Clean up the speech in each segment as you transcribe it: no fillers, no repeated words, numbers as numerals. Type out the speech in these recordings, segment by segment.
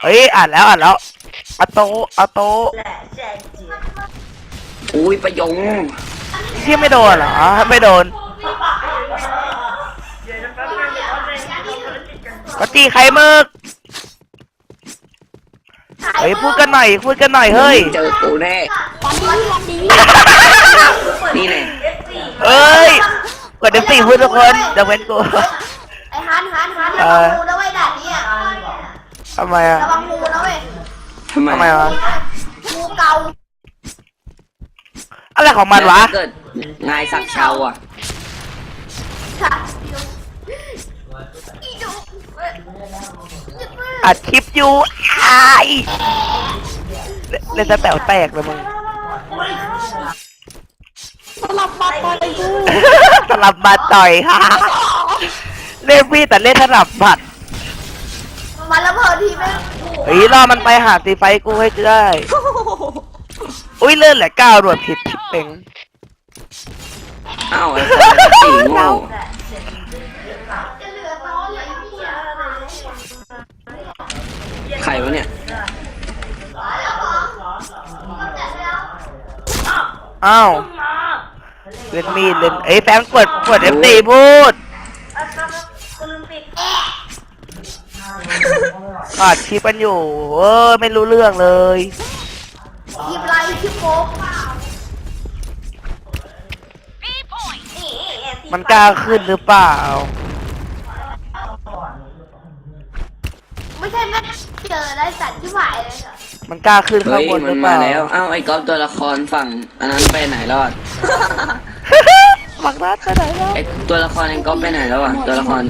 เฮ้ยอ่านแล้วเอาโตอุ้ยประยงที่ไม่โดนเหรอไม่โดนก็ตีไข่มึกเฮ้ยพูดกันหน่อยเฮ้ยเจอกูแน่นี่แน่เอ้ยกดF4พูดทุกคนจะเว้นกูไอ้ฮันระวังงูนะเว้ยด่านนี้อ่ะทำไมอะระวังงูนะเว้ยทำไมวะงูเกาอะไรของมันวะเกิดนายสักเชาอ่ะอัดคลิปอยู่เล่นจะแต๋วแตกเลยมึงสลับมาต่อยกูสลับมาต่อยค่ะเล่นพี่แต่เล่นสลับบัตรมันระเบิดทีไหมเฮ้ยรอมันไปหาตีไฟกูให้ได้อุ้ยเลื่อนแหละก้าวโดดผิดเป่งอ้าวไอ้สีโง่ใครวะเนี่ยอ้าวเล่นมีดเล่นไอ้แฟงกดF4พูดขาดชิปกันอยู่ไม่รู้เรื่องเลยทีมไรทีมโป๊กมันกล้าขึ้นหรือเปล่าไม่ใช่แม่เจอได้สัตว์ที่หวายเลยเหรอมันกล้าขึ้นข้างบนหรือเปล่าแล้วอ้าวไอ้ก๊อฟตัวละครฝั่งอันนั้นไปไหนรอดมักนัดไปไหนแล้วไอ้ตัวละครไอ้ก๊อฟไปไหนแล้วอ่ะตัวละคร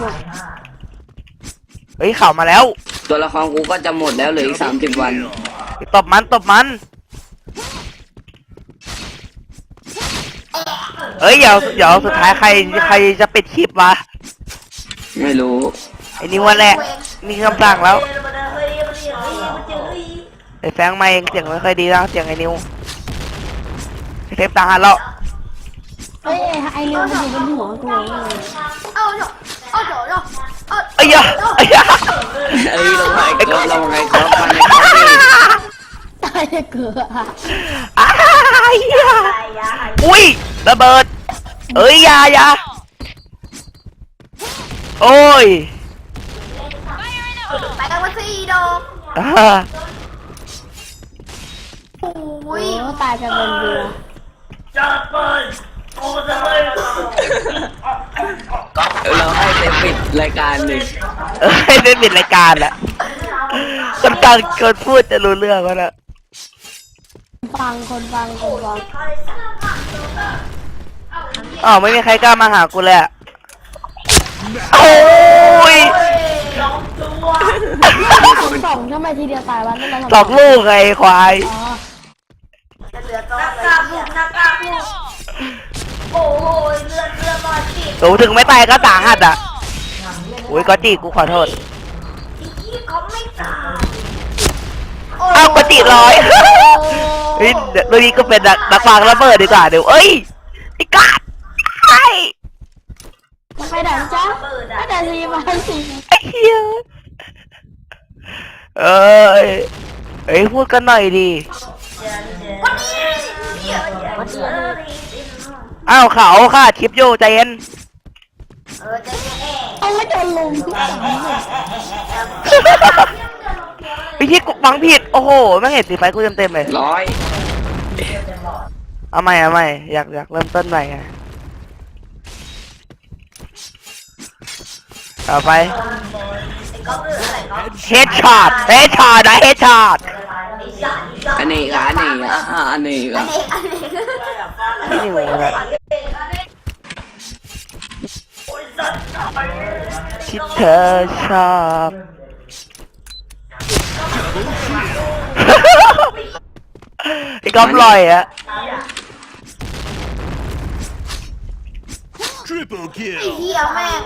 เฮ้ยข่าวมาแล้วตัวละครกูก็จะหมดแล้วเหลืออีก30 วันตบมันเฮ้ยเดี๋ยวสุดท้ายใครจะปิดคลิปวะไม่รู้ไอ้นี่วันแหละนี่คำสั่งแล้วไอ้แฟงมาเองเสียงไม่ค่อยดีนะเสียงไอ้นิวเทปตาหันแล้วเฮ้ยไอ้นิวมันอยู่บนหัวกูไอ้ยาลงไอ้ก๊อฟมันตายเกือบอุ้ยระเบิดเอ้ยยาโอ้ยไปกันมาสี่ดอกอุ้ยตายกันเป็นเดือนจัดไปเราให้เต็มปิดรายการหนึ่งให้เต็มปิดรายการอะคนพูดจะรู้เรื่องวะนะคนฟังอ๋อไม่มีใครกล้ามาหากูเลยอะโอ้ยสองทำไมทีเดียวตายวะ 2 ลูกไงควายนักกาบุกโอ้ยเลือดมาจีสูถึงไม่ตายก็สาหัสอ่ะอุ้ยก็จีกูขอโทษเขาไม่ตายอ้าวก็จีร้อยเฮ้ยเดี๋ยวนี้ก็เป็นนักวางระเบิดดีกว่าเดี๋ยวเอ้ยไอ้กาดไอ้ไปไหนจ๊ะไปไหนสิมาสิไอ้เหี้ยเอ้ยพูดกันหน่อยดิอ้าวเขาค่ะคลิปโยใจเย็นเอาไม่โดนลุมพี่ที่ฟังผิดโอ้โหไม่เห็นสีไฟกูเต็มเลยเอาใหม่อยากเริ่มต้นใหม่ไงต่อไปเฮดช็อตนะเฮดช็อตอันนี้นี่หนูนะที่เธอชอบไอ้ก๊อฟลอยอะเที่ยวแม่ง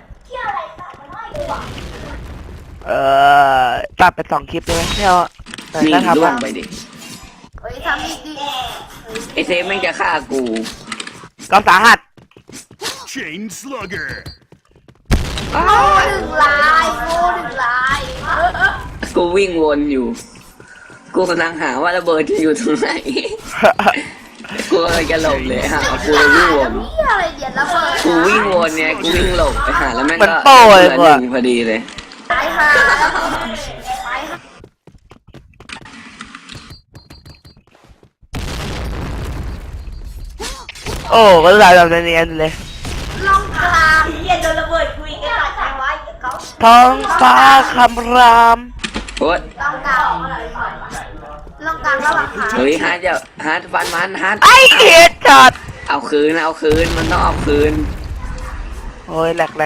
ตัดไป2 คลิปได้ไหมเนี่ยมีล่วงไปดิทำอีกดิไอเซฟไม่จะฆ่ากูก็สาหัส Chain Slugger 1 ลายกูกูวิ่งวนอยู่ กูกำลังหาว่าระเบิดจะอยู่ตรงไหน กูเลยจะหลบเลยหากูเลยวิ่งวนนี่อะไรเดี๋ยวระเบิดกูวิ่งวนเนี่ยกูวิ่งหลบไปหาแล้วแม่งมันก็โป้เลยเหลือว่ะหนึ่งพอดีเลยตายห่าตายห่าโอ้ก็ลายแบบเนียนๆเลยลองกลางเย็นโดนระเบิดคุยกันตายไว้เขาท้องฟ้าคำรามโอ๊ยลองกลางลองกลางระหว่างขาเฮ้ยฮาร์ดจะฮาร์ดฟันมันฮาร์ดไอ้เหี้ยจัดเอาคืนมันต้องเอาคืนโอ้ยแหลก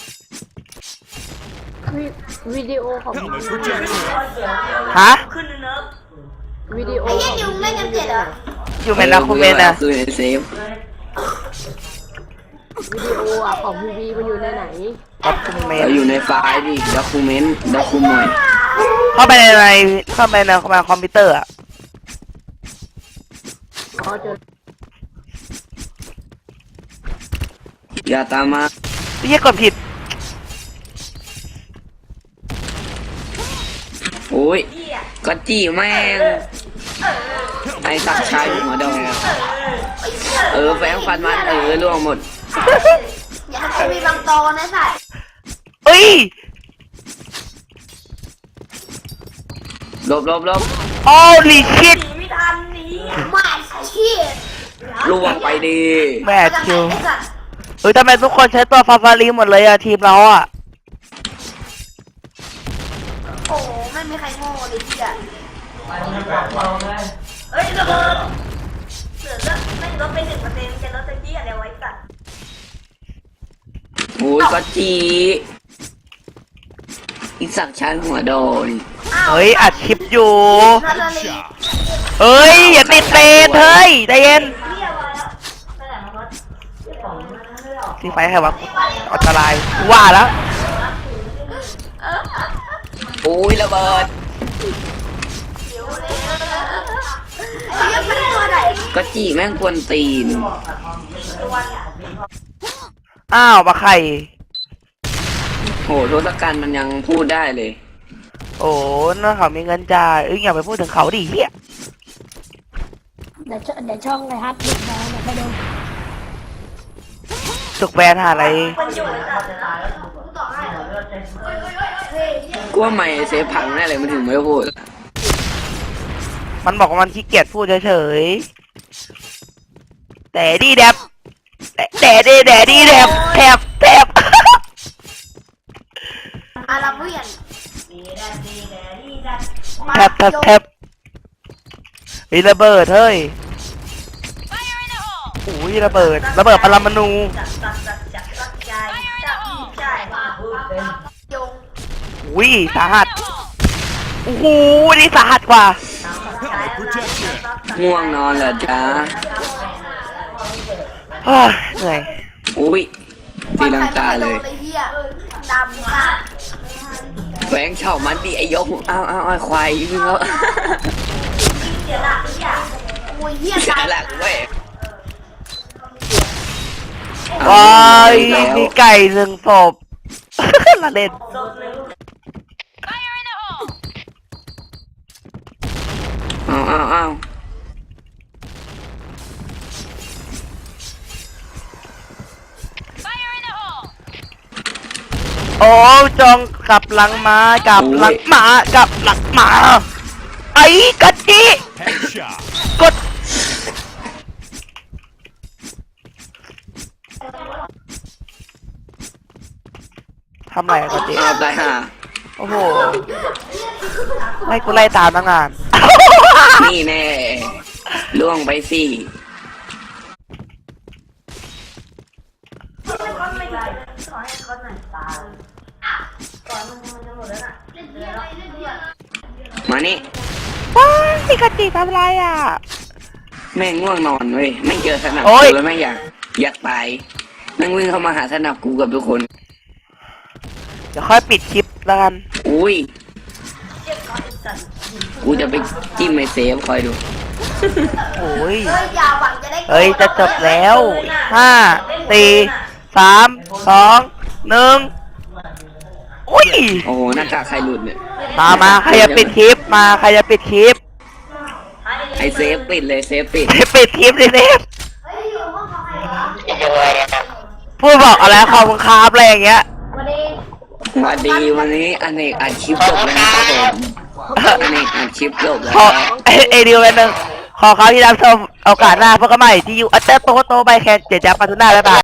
วิดีโอของฮะขึ้นเนิร์ฟวิดีโอไอ้ยัยุงเล่นกันเจ็ดเหรออยู่เมนนะคุณเมนนะเอาคืนในเซฟวิดีโออ่ะของพีวีมันอยู่ในไหนกับคุณเมนเราอยู่ในไฟล์ดิด็อกูเมนต์ด็อกูเมนต์เข้าไปในเข้าไปในคอมพิวเตอร์อะอ๋อเจออย่าตามมาไม่ใช่กดผิดโอ้ยก็จี้แม่งไอ้สักชายหัวดองแฝงฟันมันล่วงหมดอย่าให้กูมีบางตอนะสัตว์เอ้ยหลบโอ้ลิชิตไม่ทันนี้ไม่เชี่ยล่วงไปดีแมทคิวเฮ้ยทำไมทุกคนใช้ตัวฟาฟารีหมดเลยอะทีมเราอะโอ้ไม่มีใครโง่เลยพี่อะเฮ้ยระเบิดเหลือไม่ลดไป1%จะลดไปที่อะไรไว้สัตว์โอ้ยก็จี้อีสักชายหัวโดนเฮ้ยอัดคลิปอยู่นาตาลีเฮ้ยอย่าติดเตนเฮ้ยใจเย็นเรียกมาแล้วไปไหนมาลดที่ไฟใครวะอันตรายว่าแล้วโอ้ยระเบิดไอ้ยังเป็นตัวไหนก็จี้แม่งกวนตีนอ้าวมาไข่โหทศกัณฐ์มันยังพูดได้เลยโอ้น่าเขามีเงินจ่ายอย่าไปพูดถึงเขาดิเฮียเดี๋ยวช่องไอฮัทดูนะเดี๋ยวไปดูสุกแบนหาอะไรมันอยู่ในตาต่อให้กูว่าไม่เซฟพังแน่เลยมันถึงไม่พูดมันบอกว่ามันขี้เกียจพูดเฉยๆแต่ดีแดบแต่ดีแดบแทบอาราเบียนแทบเฮ้ยระเบิดเฮ้ยโอ้ยระเบิดปรมาณูยงอุ้ยสาหัสโอ้โหนี่สาหัสกว่าง่วงนอนเหรอจ๊ะเฮ้ยเหนื่อยอุ้ยตีลังกาเลยไอ้เหี้ยดำมากแหวงเฉามันดิไอยกเอาควายวิ่งแล้วเสียหลักเนี่ยโอ้ยเหี้ยเสียตายหลักเว้ยว้ายแล้วมีไก่หนึ่งศพ ละเล่นเอาโอ้จองกลับหลังมากลับหลังมากลับหลังมาไอ้กะจิกดทำไรอะกะจิเอาตายห่าโอ้โหไม่กูไล่ตามตั้งนานนี่แน่ล่วงไปสิ มานี่ว้ายกะจิทำไรอ่ะแม่งง่วงนอนเว้ยไม่เจอสนับโอ๊กูยแล้วแม่งอยากตายแม่งวิ่งเข้ามาหาสนับกูกับทุกคนเดี๋ยวค่อยปิดคลิปแล้วกันอุ้ยกูจะไปจิ้มไอเซฟคอยดูโอ้ยเฮ้ยอย่าหวังจะได้เฮ้ยจะจบแล้ว5 4 3 2 1อุ้ยโอ้โหหน้ากากใครหลุดเนี่ยมาใครจะปิดคลิปมาใครจะปิดคลิปไอเซฟปิดเลยเซฟปิดปิดคลิปเลยเนฟพูดบอกอะไรขอบคุณครับอะไรอย่างเงี้ยสวัสดีวันนี้อเนกอัดคลิปจบแล้วนะครับผมอเนกอัดคลิปจบแล้วขอไอเดียวกันหนึ่งขอเขาที่รับชมโอกาสหน้าพบกันใหม่ที่ยูอัตเตอร์โตไปแคนเจจับปาทุน่าแล้วบาย